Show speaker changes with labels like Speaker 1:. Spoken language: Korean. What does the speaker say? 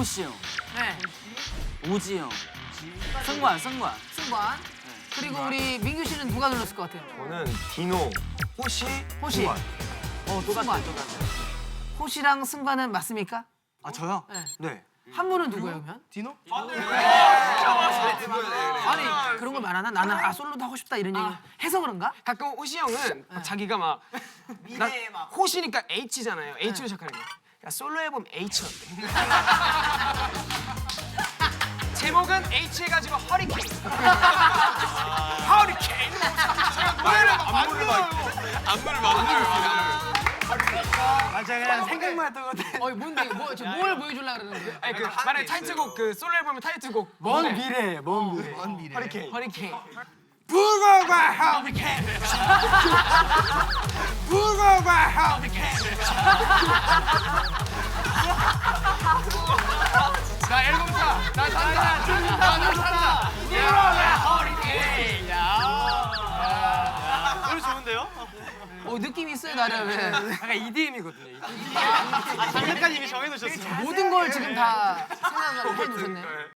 Speaker 1: 호시 형,
Speaker 2: 네.
Speaker 1: 오지 형, 승관.
Speaker 2: 승관. 그리고 우리 민규 씨는 누가 눌렀을 것 같아요?
Speaker 3: 저는 디노, 호시,
Speaker 2: 호시.
Speaker 3: 승관.
Speaker 2: 승관. 호시랑 승관은 맞습니까?
Speaker 1: 아 저요?
Speaker 2: 네.
Speaker 3: 네.
Speaker 2: 한 분은 누구예요, 그러면?
Speaker 3: 디노?
Speaker 2: 아니 그런 걸 말하나? 나는 솔로도 하고 싶다 이런 얘기 해서 그런가?
Speaker 4: 가끔 호시 형은 막 자기가 막 미래에 막 호시니까 H잖아요. H로 시작하는 거. 야 솔로 앨범 H 어때? 제목은 H 해가지고 허리케인. 허리케인. 노래를 안무를
Speaker 1: 맞아 그냥 생각만 했던 것 같아.
Speaker 2: 뭔데? 뭘 보여주려고 그러는 거야?
Speaker 4: 아니 그 만약에 타이틀곡 그 솔로 앨범의 타이틀곡
Speaker 1: 먼 미래, 먼 미래.
Speaker 4: 허리케인.
Speaker 3: 북어과 허리케인. 북어과 허리케인.
Speaker 4: 나 앨범 사. 나 산다. 나 산다.
Speaker 3: 노래 좋은데요?
Speaker 2: 느낌 있어요 나름.
Speaker 4: 약간 EDM이거든요.
Speaker 3: 장르까지 이미 정해놓으셨어요.
Speaker 2: 모든 걸 지금 다 생각을 해주셨네.